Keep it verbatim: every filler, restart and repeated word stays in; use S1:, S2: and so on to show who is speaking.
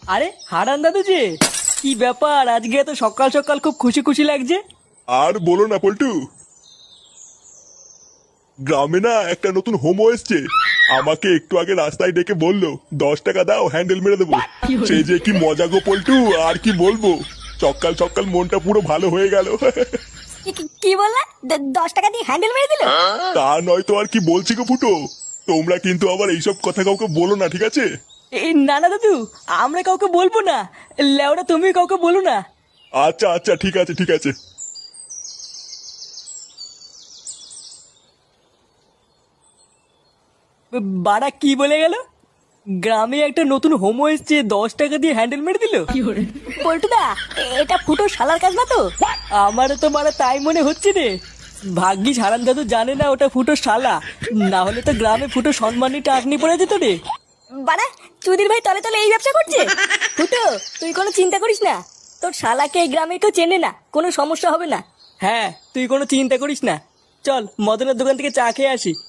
S1: আরে হারান দাদু যে, কি ব্যাপার আজকে এত সকাল সকাল খুব খুশি খুশি লাগছে?
S2: আর বলো না পল্টু, গ্রামে না একটা নতুন হোমো এসছে। আমাকে একটু আগে রাস্তায় ডেকে বললো দশ টাকা দাও হ্যান্ডেল মেরে দেবো। সেই যে কি মজা গো পল্টু, আর কি বলবো। সকাল সকাল মনটা পুরো ভালো হয়ে গেল।
S3: কি- কি- কি বললা? দ- দশ টাকা দিয়ে হ্যান্ডেল মেরে দিল?
S2: তা নয় তো আর কি বলছি গো ফুটো। তোমরা কিন্তু আবার এইসব কথা কাউকে বলো না, ঠিক আছে?
S1: এই না না দাদু, আমরা কাউকে বলবো না। লেওরা তুমি কাউকে বলো না।
S2: আচ্ছা আচ্ছা ঠিক আছে ঠিক আছে।
S1: বাড়া কি বলে গেল? গ্রামে একটা নতুন হোমো এসছে, দশ টাকা দিয়ে হ্যান্ডেল মেরে দিল?
S3: পল্টুদা, এটা ফুটো শালার কাজ না তো?
S1: আমারও তো মারা তাই মনে হচ্ছে রে। ভাগ্যিস হারান দাদু জানে না ওটা ফুটো শালা, না হলে তো গ্রামে ফুটো সম্মানী টাকনি পড়ে যেত রে।
S3: বাড়া, চুদির ভাই তলে তলে এই ব্যবসা করছে। ফুটো, তুই কোনো চিন্তা করিস না, তোর শালাকে এই গ্রামে কেউ চেনে না, কোনো সমস্যা হবে না।
S1: হ্যাঁ, তুই কোনো চিন্তা করিস না। চল মদনের দোকান থেকে চা খেয়ে আসি।